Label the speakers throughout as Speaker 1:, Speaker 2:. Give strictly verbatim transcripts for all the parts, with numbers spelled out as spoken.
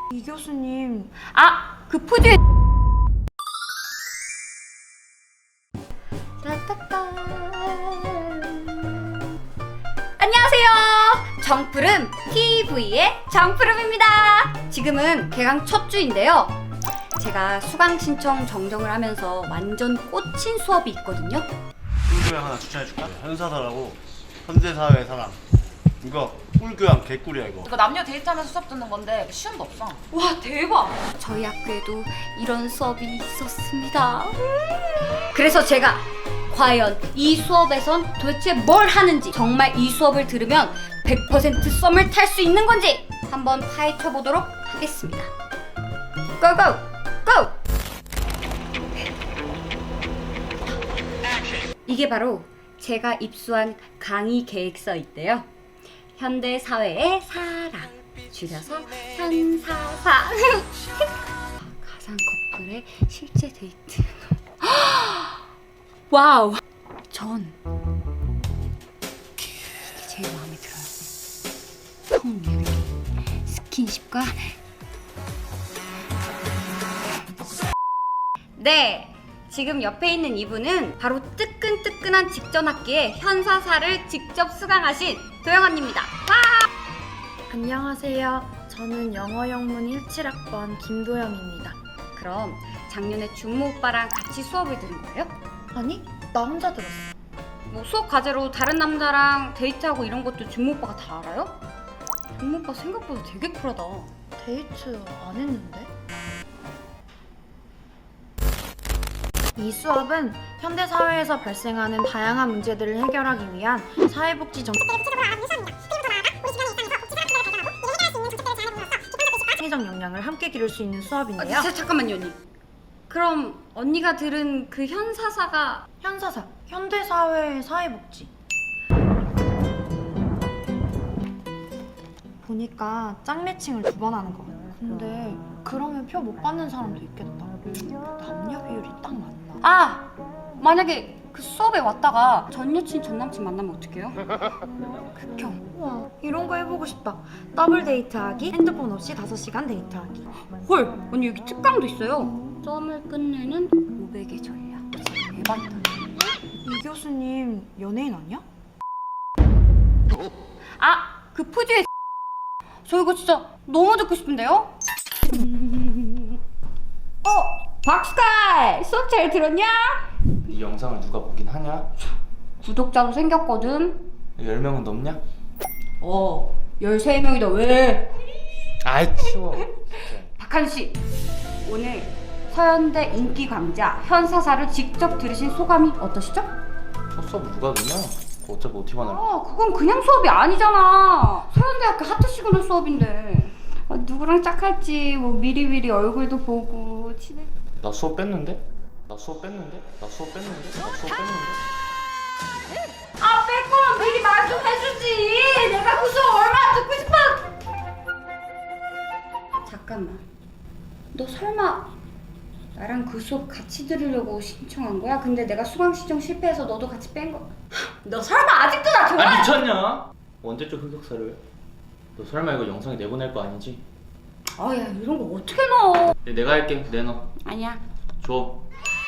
Speaker 1: 이 교수님.
Speaker 2: 아! 그 푸드에 안녕하세요. 정푸름 티비의 정푸름입니다. 지금은 개강 첫 주인데요. 제가 수강 신청 정정을 하면서 완전 꽂힌 수업이 있거든요.
Speaker 3: 꿀교양 하나 추천해줄까? 현사사라고 현대사회 사람. 이거 꿀교양 개꿀이야 이거.
Speaker 4: 이거 남녀 데이트하면서 수업 듣는 건데 시험도 없어.
Speaker 2: 와, 대박! 저희 학교에도 이런 수업이 있었습니다. 그래서 제가 과연 이 수업에선 도대체 뭘 하는지, 정말 이 수업을 들으면 백 퍼센트 썸을 탈 수 있는 건지 한번 파헤쳐 보도록 하겠습니다. 고고! 고! 이게 바로 제가 입수한 강의 계획서인데요. 현대 사회의 사랑, 줄여서 현사사. 가상 커플의 실제 데이트. 와우. 전 이게 제일 마음에 들어요. 성유리, 스킨십과 네. 지금 옆에 있는 이분은 바로 뜨끈뜨끈한 직전 학기에 현사사를 직접 수강하신 도영 언니입니다. 와!
Speaker 1: 안녕하세요. 저는 영어 영문 십칠 학번 김도영입니다.
Speaker 2: 그럼 작년에 준모 오빠랑 같이 수업을 들은 거예요?
Speaker 1: 아니, 나 혼자 들었어.
Speaker 2: 뭐 수업 과제로 다른 남자랑 데이트하고 이런 것도 준모 오빠가 다 알아요? 준모 오빠 생각보다 되게 쿨하다.
Speaker 1: 데이트 안 했는데? 이 수업은 현대사회에서 발생하는 다양한 문제들을 해결하기 위한 사회복지 정책 적 역량을 함께 기를 수 있는 수업인데요.
Speaker 2: 아, 자, 잠깐만요 언니. 그럼 언니가 들은 그 현사사가
Speaker 1: 현사사, 현대사회의 사회복지. 보니까 짝매칭을 두 번 하는 거 같아. 근데 그러면 표 못 받는 사람도 있겠다. 남녀 비율이 딱 맞나?
Speaker 2: 아! 만약에 그 수업에 왔다가 전 여친 전 남친 만나면 어떡해요? 극혐.
Speaker 1: 우와, 이런 거 해보고 싶다. 더블 데이트하기, 핸드폰 없이 다섯 시간 데이트하기.
Speaker 2: 헐! 언니 여기 특강도 있어요. 썸을 끝내는 오백의 전략. 대박이다.
Speaker 1: 이 교수님 연예인 아니야?
Speaker 2: 아! 그 푸드의 저 이거 진짜 너무 듣고 싶은데요? 어! 박스칼! 수업 잘 들었냐?
Speaker 5: 이 영상을 누가 보긴 하냐?
Speaker 2: 구독자도 생겼거든.
Speaker 5: 열 명은 넘냐?
Speaker 2: 어, 열세 명이다. 왜?
Speaker 5: 아이 치워.
Speaker 2: 박한씨, 오늘 서현대 인기 강좌 현사사를 직접 들으신 소감이 어떠시죠?
Speaker 5: 첫 수업 누가 듣냐? 그거 어차피 오티만 할.
Speaker 2: 아, 그건 그냥 수업이 아니잖아. 서현대학교 하트 시그널 수업인데. 아, 누구랑 짝할지 뭐 미리미리 얼굴도 보고 친해.
Speaker 5: 나 수업 뺐는데? 나 수업 뺐는데? 나 수업 뺐는데? 나 수업 뺐는데?
Speaker 2: 아, 뺄 거면 미리 말 좀 해주지. 내가 그 수업 얼마나 듣고 싶어. 잠깐만. 너 설마 나랑 그 수업 같이 들으려고 신청한 거야? 근데 내가 수강 신청 실패해서 너도 같이 뺀 거. 너 설마 아직도 나 좋아해?
Speaker 5: 아 미쳤냐? 언제적 흑역사를? 너 설마 이거 영상에 내보낼 거 아니지?
Speaker 2: 아, 야, 이런 거 어떻게 넣어?
Speaker 5: 네, 내가 할게. 내놔.
Speaker 2: 아니야.
Speaker 5: 줘.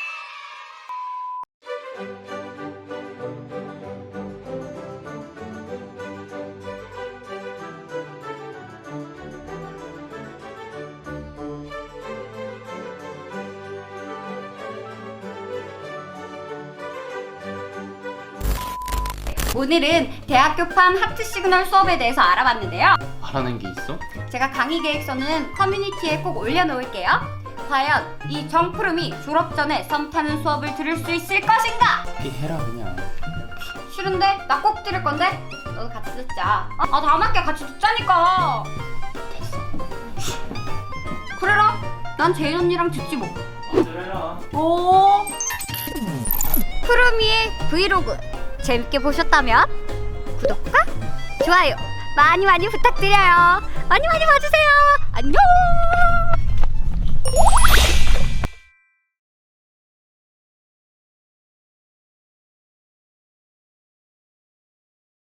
Speaker 2: 오늘은 대학교판 하트 시그널 수업에 대해서 알아봤는데요.
Speaker 5: 알아낸 게 있어?
Speaker 2: 제가 강의 계획서는 커뮤니티에 꼭 올려놓을게요. 과연 이 정푸름이 졸업 전에 썸 타는 수업을 들을 수 있을 것인가?
Speaker 5: 피 해라 그냥.
Speaker 2: 싫은데? 나 꼭 들을 건데? 너도 같이 듣자. 아, 아 다음 학기에 같이 듣자니까.
Speaker 5: 됐어.
Speaker 2: 그래라. 난 제인 언니랑 듣지 뭐.
Speaker 5: 어, 그래라.
Speaker 2: 오. 푸름이의 브이로그 재밌게 보셨다면 구독과 좋아요 많이 많이 부탁드려요. 많이 많이 봐주세요. 안녕.